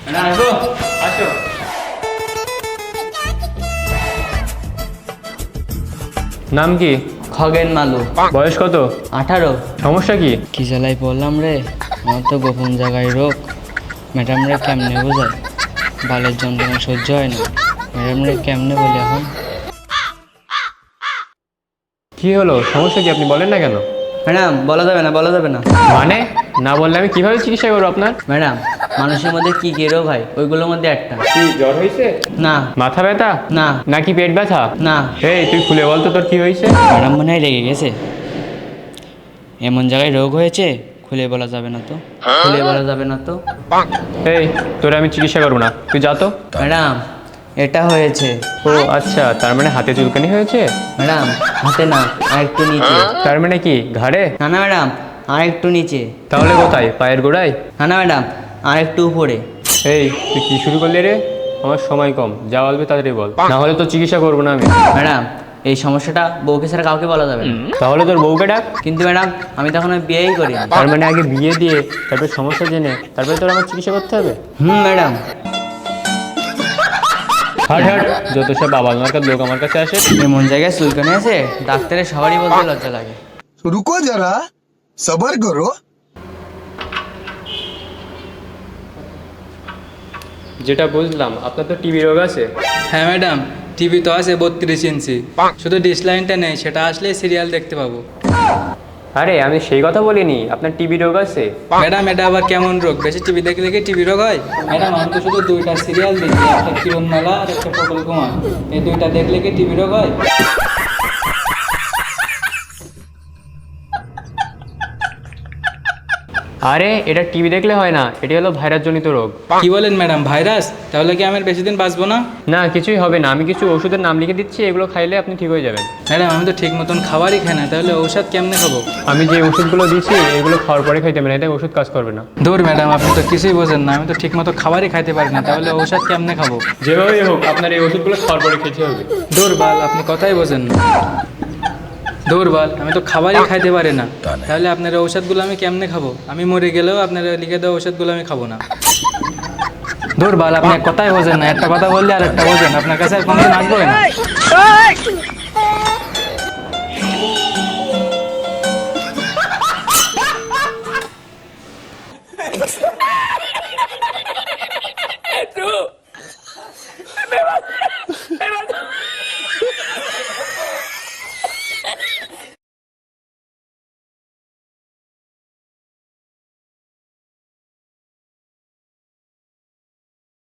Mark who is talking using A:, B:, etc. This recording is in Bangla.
A: আসো আসো। নাম কি?
B: খগেন মালু।
A: বয়স কত?
B: 18।
A: সমস্যা কি?
B: কি জ্বালাই পড়লাম রে, আমার তো গোপন জায়গায় রোগ। ম্যাডাম রে কেমনে বোঝায়, বালের যন্ত্রণা সহ্য হয় না। ম্যাডাম রে কেমনে বলে এখন?
A: কি হলো, সমস্যা কি আপনি বলেন না কেন?
B: ম্যাডাম বলা যাবে না, বলা যাবে না।
A: মানে না বললে আমি কিভাবে চিকিৎসা করবো আপনার?
B: ম্যাডাম, মানুষের মধ্যে কি কি রোগ হয় ওইগুলোর মধ্যে একটা।
A: কি জ্বর হয়েছে?
B: না।
A: মাথা ব্যথা?
B: না।
A: নাকি পেট ব্যথা?
B: না।
A: এই তুই খুলে বল তো তোর কি হয়েছে?
B: ম্যাডাম মনে হয় রেগে গেছে। এমন জায়গায় রোগ হয়েছে খুলে বলা যাবে না তো, খুলে বলা যাবে না তো।
A: এই তোরে আমি চিকিৎসা করবো না, তুই যা তো।
B: ম্যাডাম এটা হয়েছে।
A: ও আচ্ছা, তার মানে হাতে চুলকানি হয়েছে?
B: ম্যাডাম হাতে না, আর একটু নিচে।
A: তার মানে কি ঘাড়ে?
B: না না ম্যাডাম, আর একটু নিচে।
A: তাহলে কোথায়, পায়ের গোড়ায়?
B: না না ম্যাডাম, আর একটু উপরে।
A: এই তুই কি শুরু করলি রে? আমার সময় কম, যা বলবি তাড়াতাড়ি বল, না হলে তো চিকিৎসা করবো না আমি।
B: ম্যাডাম এই সমস্যাটা বউকে ছাড়া কাউকে বলা যাবে না।
A: তাহলে তোর বউকে ডাক।
B: কিন্তু ম্যাডাম আমি তখন বিয়েই করি।
A: তার মানে আগে বিয়ে দিয়ে তারপরে সমস্যা জেনে তারপরে তোর আমার চিকিৎসা করতে হবে?
B: ম্যাডাম।
A: হাট হাট, যত সব বাবা মার্কার লোক আমার কাছে আসে।
B: এমন জায়গায় চুলকানি আছে ডাক্তারের সবারই বলতে লজ্জা লাগে।
C: रुको जरा सबर करो।
A: যেটা বুঝলাম আপনার তো টিবি রোগ আছে।
D: হ্যাঁ ম্যাডাম, টিভি তো আছে 32 ইঞ্চি, শুধু ডিশ লাইনটা নেই, সেটা আসলে সিরিয়াল দেখতে পাবো।
A: আরে আমি সেই কথা বলিনি, আপনার টিবি রোগ আছে।
D: ম্যাডাম এটা আবার কেমন রোগ? বেশি টিভি দেখলে কি টিভি রোগ হয়? ম্যাডাম আমি তো শুধু 2টা সিরিয়াল দেখি, একটা কিরণমালা আর একটা পটল কুমার। এই 2টা দেখলে কি টিভি রোগ হয়?
A: আরে এটা টিবি দেখলে হয় না, এটি হলো ভাইরাস জনিত রোগ।
D: কি বলেন ম্যাডাম, ভাইরাস? তাহলে কি আমি আর বেশি দিন বাঁচবো না?
A: না কিছুই হবে না, আমি কিছু ওষুধের নাম লিখে দিচ্ছি, এগুলো খাইলে আপনি ঠিক হয়ে যাবেন।
D: ম্যাডাম আমি তো ঠিক মতন খাবারই খাই না, তাহলে ঔষধ কেমনে খাবো?
A: আমি যে ওষুধগুলো দিচ্ছি এগুলো খাওয়ার পরে খাইতে হবে না, এতে ওষুধ কাজ করবে না।
D: দূর ম্যাডাম, আপনি তো কিছুই বোঝেন না, আমি তো ঠিক মতো খাবারই খাইতে পারি না, তাহলে ঔষধ কেমনে খাবো?
A: যেভাবেই হোক আপনার এই ওষুধগুলো খাওয়ার পরে খেতে হবে।
D: দূর বাল, আপনি কথাই বোঝেন না। দূর বাল, আমি তো খাবারই খাইতে পারি না, তাহলে আপনার ঔষধগুলো আমি কেমনে খাবো? আমি মরে গেলেও আপনার লিখে দেওয়া ঔষধগুলো আমি খাবো না। দূর বাল, আপনি কথাই বোঝেন না, একটা কথা বললে আর একটা বোঝেন, আপনার কাছে আর কোনোদিন আসবো না।